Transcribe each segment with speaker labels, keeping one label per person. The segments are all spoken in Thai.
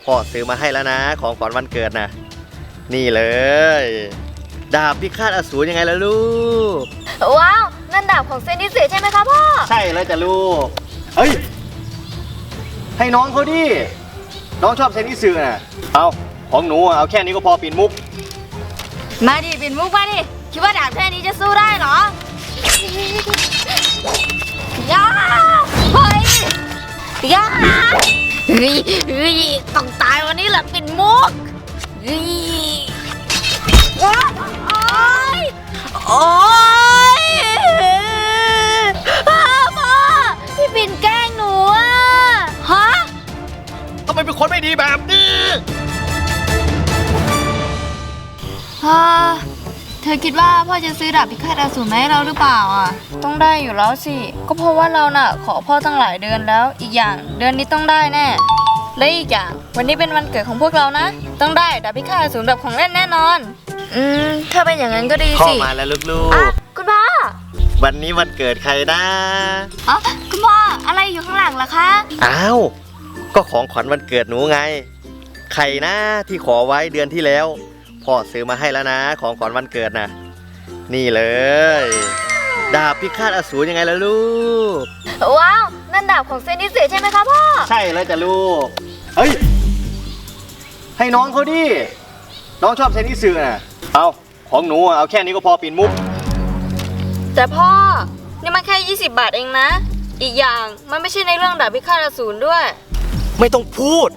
Speaker 1: พ่อซื้อมาให้แล้วนะของขวัญวันเกิดนะนี่เลยดาบพิฆาตอสูรยังไงล่ะลูก
Speaker 2: ว้าวนั่นดาบของเซนดิเซใช่ไหมคะพ่อ
Speaker 1: ใช่เลยจ้ะลูกเฮ้ยให้น้องเขาดิน้องชอบเซนดิสึน่ะเอาของหนูเอาแค่นี้ก็พอปิ่นมุก
Speaker 2: มาดิปิ่นมุกมาดิคิดว่าดาบแค่นี้จะสู้ได้เหรอย่าเฮ้ยอย่าเฮ้ยต้องตายวันนี้แหละปิ่นมุกเฮ้ยโอ๊ยโอ๊ยพ่อพี่ปิ่นแกล้งหนูอะฮะ
Speaker 1: ทำไมเป็นคนไม่ดีแบบนี้
Speaker 2: เธอคิดว่าพ่อจะซื้อดาบพิฆาตอสูรมาให้เราหรือเปล่าอ่ะต้องได้อยู่แล้วสิก็เพราะว่าเราน่ะขอพ่อตั้งหลายเดือนแล้วอีกอย่างเดือนนี้ต้องได้แน่และอีกอย่างวันนี้เป็นวันเกิดของพวกเรานะต้องได้ดาบพิฆาตอสูรแบบของเล่นแน่นอนถ้าเป็นอย่างนั้นก็ดีสิ
Speaker 1: พ่อมาแล้วลูก
Speaker 2: ๆคุณพ่อ
Speaker 1: วันนี้วันเกิดใครนะ
Speaker 2: คุณพ่ออะไรอยู่ข้างหลังล่ะคะ
Speaker 1: อ้าวก็ของขวัญวันเกิดหนูไงใครนะที่ขอไว้เดือนที่แล้วพ่อซื้อมาให้แล้วนะของขวัญวันเกิดนะนี่เลยดาบพิฆาตอสูรยังไงล่ะลูก
Speaker 2: ว้าวนั่นดาบของเซนดิเซใช่ไหมคะพ่อ
Speaker 1: ใช่เลยจ้ะลูกเฮ้ยให้น้องเขาดิน้องชอบเซนดิสึน่ะเอาของหนูเอาแค่นี้ก็พอปิ่นมุก
Speaker 2: แต่พ่อนี่มันแค่20 บาทเองนะอีกอย่างมันไม่ใช่ในเรื่องดาบพิฆาตอสูรด้วย
Speaker 1: ไม่ต้องพูด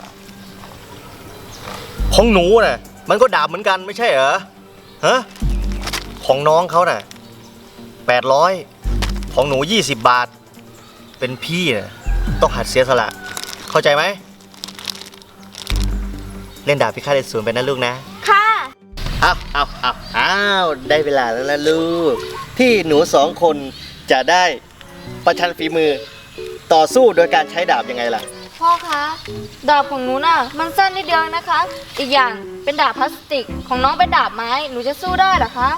Speaker 1: ของหนูน่ะมันก็ดาบเหมือนกันไม่ใช่เหรอฮะของน้องเขาน่ะ800ของหนู20 บาทเป็นพี่น่ะต้องหัดเสียสละเข้าใจไหมเล่นดาบพิฆาตอสูรไปนะลูกนะ
Speaker 2: ค่ะ
Speaker 1: อ้าวได้เวลาแล้วนะลูกที่หนู2 คนจะได้ประชันฝีมือต่อสู้โดยการใช้ดาบยังไงล่ะ
Speaker 2: พ่อคะดาบของหนูน่ะมันสั้นนิดเดียวนะคะอีกอย่างเป็นดาบพลาสติกของน้องเป็นดาบไม้หนูจะสู้ได้เหรอคะ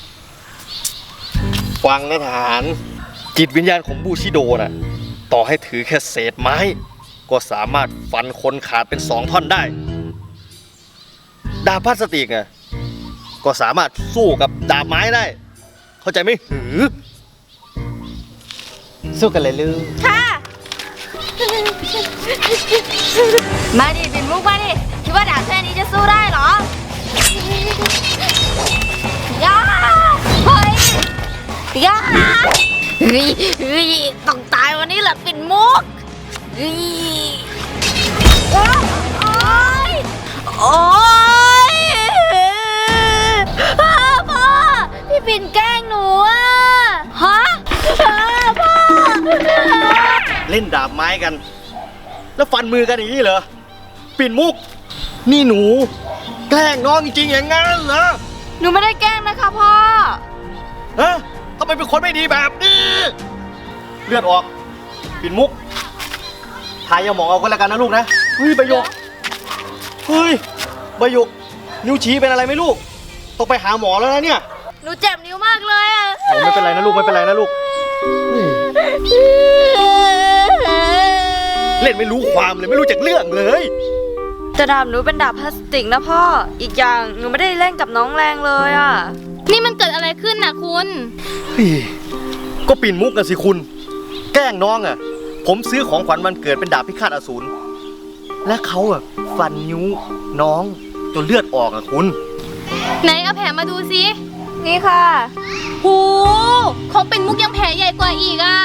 Speaker 1: ฟังนะทหารจิตวิญญาณของบูชิโดน่ะต่อให้ถือแค่เศษไม้ก็สามารถฟันคนขาดเป็น2 ท่อนได้ดาบพลาสติกอ่ะก็สามารถสู้กับดาบไม้ได้เข้าใจไหมสู้กันเลยลูก
Speaker 2: ค่ะมาดิปิ่นมุกมาดิคิดว่าดาบแค่นี้จะสู้ได้เหรอย่าเฮ้ยอย่าเฮ้ยต้องตายวันนี้แหละปิ่นมุกเฮ้ยโอ๊ยพ่อพี่ปิ่นแกล้งหนูอ่ะฮะพ่อ
Speaker 1: เล่นดาบไม้กันแล้วฟันมือกันอย่างนี้เหรอปิ่นมุกนี่หนูแกล้งน้องจริงๆอย่างงั้นเหรอ
Speaker 2: หนูไม่ได้แกล้งนะคะพ่อ
Speaker 1: ฮะทำไมเป็นคนไม่ดีแบบนี้เลือดออกปิ่นมุกทายาหมองเอาก็แล้วกันนะลูกนะเฮ้ยใบหยกนิ้วชี้เป็นอะไรไหมลูกต้องไปหาหมอแล้วนะเนี่ย
Speaker 2: หนูเจ็บนิ้วมากเลยอ่ะ
Speaker 1: ไม่เป็นไรนะลูกไม่เป็นไรนะลูกเล่นไม่รู้ความเลยไม่รู้จักเรื่องเลย
Speaker 2: แต่ดาบหนูเป็นดาบพลาสติกนะพ่ออีกอย่างหนูไม่ได้เล่นกับน้องแรงเลยอ่ะ
Speaker 3: นี่มันเกิดอะไรขึ้นน่ะคุณ
Speaker 1: ก็ปิ่นมุกกันสิคุณแกล้งน้องอ่ะผมซื้อของขวัญวันเกิดเป็นดาบพิฆาตอสูรและเขาอ่ะฟันนิ้วน้องจนเลือดออกอ่ะคุณ
Speaker 3: ไหนเอาแผลมาดูสิ
Speaker 2: นี่ค่ะ
Speaker 3: หูของปิ่นมุกยังแผลใหญ่กว่าอีกอ่ะ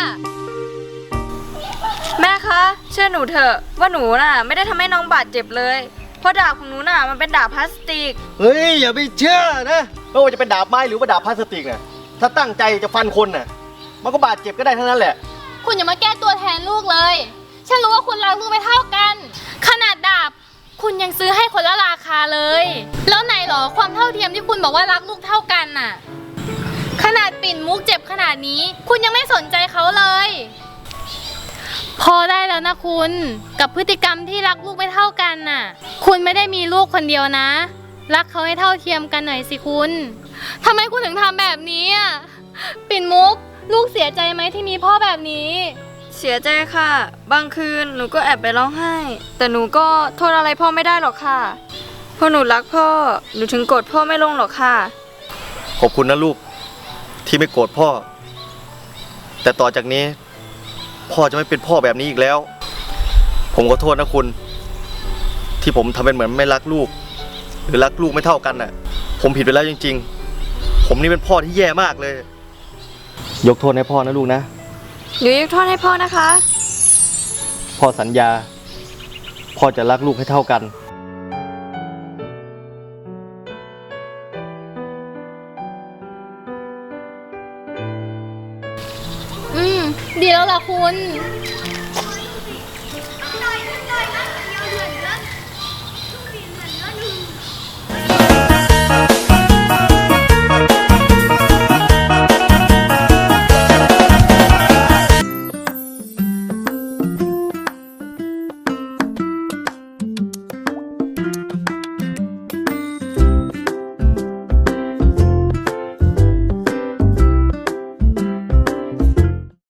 Speaker 2: แม่คะเชื่อหนูเถอะว่าหนูน่ะไม่ได้ทำให้น้องบาดเจ็บเลยเพราะดาบของหนูน่ะมันเป็นดาบพลาสติก
Speaker 1: เฮ้ยอย่าไปเชื่อนะไม่ว่าจะเป็นดาบไม้หรือว่าดาบพลาสติกน่ะถ้าตั้งใจจะฟันคนน่ะมันก็บาดเจ็บก็ได้ทั้งนั้นแหละ
Speaker 3: คุณอย่ามาแก้ตัวแทนลูกเลยฉันรู้ว่าคุณรักลูกไม่เท่ากันขนาดดาบคุณยังซื้อให้คนละราคาเลยแล้วไหนหรอความเท่าเทียมที่คุณบอกว่ารักลูกเท่ากันน่ะขนาดปิ่นมุกเจ็บขนาดนี้คุณยังไม่สนใจเขาเลยพอได้แล้วนะคุณกับพฤติกรรมที่รักลูกไม่เท่ากันน่ะคุณไม่ได้มีลูกคนเดียวนะรักเขาให้เท่าเทียมกันหน่อยสิคุณทำไมคุณถึงทำแบบนี้อ่ะปิ่นมุกลูกเสียใจไหมที่มีพ่อแบบนี้
Speaker 2: เสียใจค่ะ บางคืนหนูก็แอบไปร้องไห้ แต่หนูก็โทษอะไรพ่อไม่ได้หรอกค่ะเพราะหนูรักพ่อ หนูถึงโกรธพ่อไม่ลงหรอกค่ะ
Speaker 1: ขอบคุณนะลูกที่ไม่โกรธพ่อ แต่ต่อจากนี้ พ่อจะไม่เป็นพ่อแบบนี้อีกแล้ว ผมขอโทษนะคุณ ที่ผมทำเป็นเหมือนไม่รักลูก หรือรักลูกไม่เท่ากันน่ะ ผมผิดไปแล้วจริงๆ ผมนี่เป็นพ่อที่แย่มากเลย ยกโทษให้พ่อนะลูกนะ
Speaker 2: หนูยกโทษให้พ่อนะคะ
Speaker 1: พ่อสัญญา พ่อจะรักลูกให้เท่ากัน